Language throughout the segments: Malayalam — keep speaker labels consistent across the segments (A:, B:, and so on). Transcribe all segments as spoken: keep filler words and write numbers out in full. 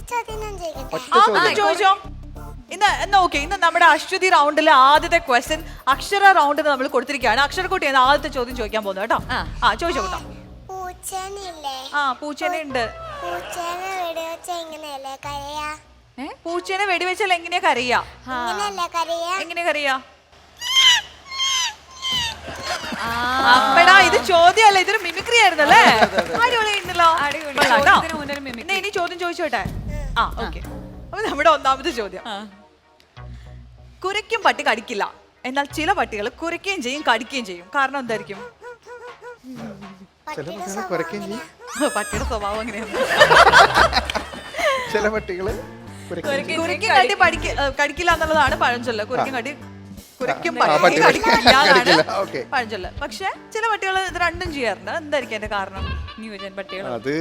A: ചോദിച്ചോ. ഇന്ന് എന്നാ ഓക്കെ, ഇന്ന് നമ്മുടെ അശ്വതി റൗണ്ടിലെ ആദ്യത്തെ ക്വസ്റ്റ്യൻ അക്ഷര റൗണ്ടിന് നമ്മൾ കൊടുത്തിരിക്കുകയാണ്. അക്ഷരക്കുട്ടി എന്ന ആദ്യത്തെ ചോദ്യം ചോദിക്കാൻ പോകുന്നു കേട്ടോ. ആ ചോദിച്ചോ കേട്ടോ. ആ പൂച്ചേനെ ഉണ്ട്. പൂച്ചേനെ വെടിവെച്ചാൽ എങ്ങനെയാ കരയാ? എങ്ങനെയാ കരയാ? അപ്പടാ ഇത് ചോദ്യമല്ല, ഇതൊരു മിമിക്രി ആയിരുന്നല്ലേ. അടിപൊളിയായിരുന്നല്ലോ. ഇനി ചോദ്യം ചോദിച്ചോട്ടെ. ആ ഓക്കെ, അപ്പൊ നമ്മുടെ ഒന്നാമത്തെ ചോദ്യം. കുരയ്ക്കും പട്ടി കടിക്കില്ല, എന്നാൽ ചില പട്ടികൾ കുരയ്ക്കുകയും ചെയ്യും കടിക്കുകയും ചെയ്യും. കാരണം എന്തായിരിക്കും? പട്ടിയുടെ സ്വഭാവം അങ്ങനെയാണ്.
B: ചില പട്ടികള്
A: കുരയ്ക്കും കടി കടിക്കില്ല എന്നുള്ളതാണ് പഴഞ്ചൊല്ല്. കുരയ്ക്കും കടി കുരയ്ക്കും പട്ടി കടിക്കില്ല എന്നാണ് പഴഞ്ചൊല്ല്. പക്ഷെ ചില പട്ടികൾ ഇത് രണ്ടും ചെയ്യാറുണ്ട്. എന്തായിരിക്കും എന്റെ കാരണം? ന്യൂജൻ പട്ടികൾ.
B: അത്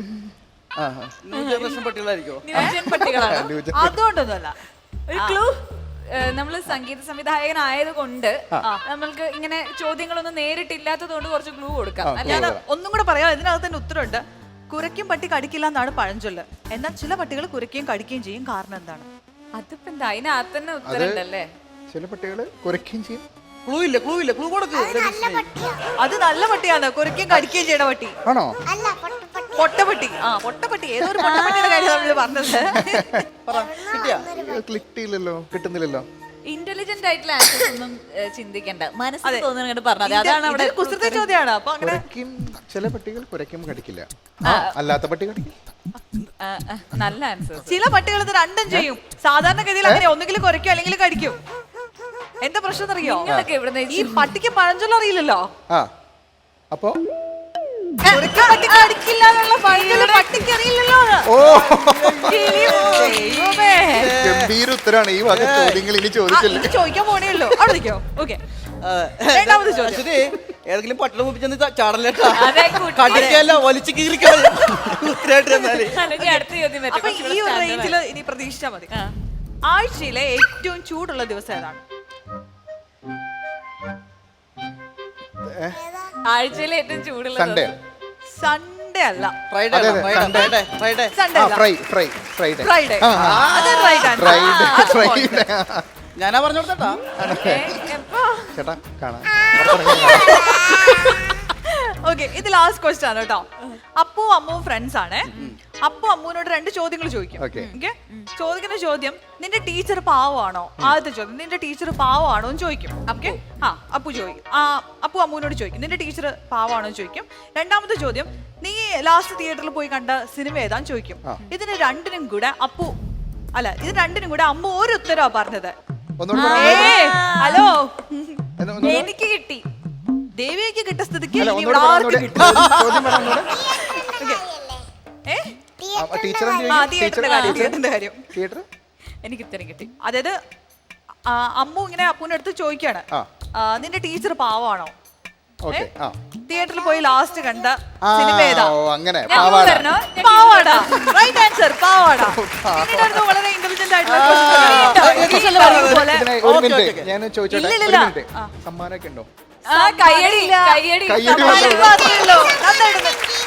A: ന്യൂജൻ പട്ടികളാണ്. അതുകൊണ്ടൊന്നുമല്ല.
C: ഒരു ക്ലൂ, നമ്മള് സംഗീത സംവിധായകനായത് കൊണ്ട് നമ്മൾക്ക് ഇങ്ങനെ ചോദ്യങ്ങളൊന്നും നേരിട്ടില്ലാത്തത് കൊണ്ട് കുറച്ച് ക്ലൂ കൊടുക്കാം.
A: ഞാൻ ഒന്നും കൂടെ പറയാം, ഇതിനകത്ത് തന്നെ ഉത്തരമുണ്ട്. കുരയ്ക്കും പട്ടി കടിക്കില്ല എന്നാണ് പഴഞ്ചൊല്ല്, എന്നാൽ ചില പട്ടികൾ കുരയ്ക്കുകയും കടിക്കുകയും ചെയ്യും. കാരണം എന്താണ്?
C: അതിപ്പോ എന്താ, അതിനകത്ത് തന്നെ ഉത്തരമുണ്ടല്ലേ.
B: ചില പട്ടികള് കുരയ്ക്കുകയും ചെയ്യും.
D: ക്ലൂ ഇല്ല, ക്ലൂ ഇല്ല, ക്ലൂ കൊടുക്ക്.
A: അത് നല്ല പട്ടിയാണ്, കുരയ്ക്കുകയും കടിക്കുകയും ചെയ്യണ പട്ടി.
B: ആണോ?
A: പൊട്ടപ്പട്ടി. ആ പൊട്ടപ്പട്ടി, ഏതോ ഒരു പൊട്ടപ്പട്ടിയുടെ കാര്യം നമ്മൾ പറഞ്ഞത്.
B: ക്ലിക്ക് ചെയ്യില്ലല്ലോ, കിട്ടുന്നില്ലല്ലോ.
C: ഇന്റലിജന്റ് ആയിട്ടുള്ള ആൻസേഴ്സ് ഒന്നും ചിന്തിക്കണ്ട, മനസ്സിൽ തോന്നുന്നത് പറഞ്ഞത്. അതാണ് അവിടെ
A: കുസൃതി ചോദ്യമാണ്. അപ്പൊ അങ്ങനെ
B: ചില പട്ടികൾ കുരയ്ക്കും കടിക്കില്ല, അല്ലാത്ത പട്ടി കടിക്കില്ല.
C: നല്ല ആൻസർ.
A: ചില പട്ടികൾ ഇത് രണ്ടും ചെയ്യും. സാധാരണഗതിയിൽ അങ്ങനെ ഒന്നുകിൽ കുരയ്ക്കും അല്ലെങ്കിൽ കടിക്കും. എന്താ പ്രശ്നം അറിയോ? ഈ പട്ടിക്ക് പഴഞ്ചൊല്ല് അറിയില്ലല്ലോ.
B: ആ അപ്പൊ
A: കടിക്കില്ല എന്നുള്ള പഴഞ്ചൊല്ല് പട്ടിക്ക് അറിയില്ലല്ലോ.
B: ഗംഭീര ഉത്തരാണ് ഈ വക ചോദ്യങ്ങൾ ഇനി ചോദിച്ചില്ല.
A: ചോദിക്കാൻ പോണേ ഉള്ളൂ. അവിടെ നിൽക്കോ. ഓക്കെ, രണ്ടാമത് ചോദ്യം.
D: ഏതെങ്കിലും പട്ടണം മുപ്പിച്ചെന്ന് ചാടല്ലേട്ടാ, കടിക്കല്ല വലിച്ചു കീറിക്കാതെ.
A: അപ്പൊ ഈ ഒരു റേഞ്ചിൽ ഇനി പ്രതീക്ഷിച്ചാ മതി. ആഴ്ചയിലെ ഏറ്റവും ചൂടുള്ള ദിവസം ഏതാണ്?
C: ആഴ്ചയിലെ ഏറ്റവും ചൂടുള്ള
B: സൺഡേ.
A: സൺഡേ അല്ല.
D: ഫ്രൈഡേ ഫ്രൈഡേ ഫ്രൈഡേ
A: സൺഡേ അല്ല.
B: Fry fry Friday
A: Friday. അത് റൈറ്റ് ആൻസർ.
B: ഫ്രൈഡേ.
D: ഞാനാ പറഞ്ഞു കൊടുത്തേട്ടാ.
B: ചേട്ടാ കാണാം.
A: ഓക്കെ, ഇത് ലാസ്റ്റ് ക്വസ്റ്റ്യൻ ആണ് കേട്ടോ. അപ്പു അമ്മുവും ഫ്രണ്ട്സ് ആണ്. അപ്പു അമ്മുവിനോട് രണ്ട് ചോദ്യങ്ങൾ ചോദിക്കും. ഓക്കെ, ചോദിക്കുന്ന ചോദ്യം, നിന്റെ ടീച്ചർ പാവമാണോ? ആദ്യത്തെ ചോദ്യം, നിന്റെ ടീച്ചർ പാവമാണോ എന്ന് ചോദിക്കും. ഓക്കെ, ആ അപ്പു ചോദിക്കും. ആ അപ്പു അമ്മുവിനോട് ചോദിക്കും, നിന്റെ ടീച്ചർ പാവമാണോ എന്ന് ചോദിക്കും. രണ്ടാമത്തെ ചോദ്യം, നീ ലാസ്റ്റ് തിയേറ്ററിൽ പോയി കണ്ട സിനിമ ഏതാന്ന് ചോദിക്കും. ഇതിന് രണ്ടിനും കൂടെ അപ്പു അല്ല ഇത് രണ്ടിനും കൂടെ അമ്മ ഒരു ഉത്തരവാ പറഞ്ഞത്. ഹലോ,
C: എനിക്ക് കിട്ടി.
A: ദേവിക്ക് കിട്ടിയ സ്ഥിതിക്ക്
C: എനിക്ക് ഉത്തരം കിട്ടി.
A: അതായത് അമ്മു ഇങ്ങനെ അപ്പൂന്റെ അടുത്ത് ചോദിക്കാണ്, നിന്റെ ടീച്ചർ പാവാണോ? തിയേറ്ററിൽ പോയി ലാസ്റ്റ് കണ്ട സിനിമ ഏതാ? പാവാടാ. Right answer, Pavada. വളരെ ഇന്റലിജന്റ് ആയിട്ടുള്ള
B: ഞാൻ ചോദിച്ചോട്ടെ, സമ്മാനമൊക്കെ ഉണ്ടോ?
C: കയ്യടി കയ്യടി
A: നന്നായിട്ടുണ്ട്.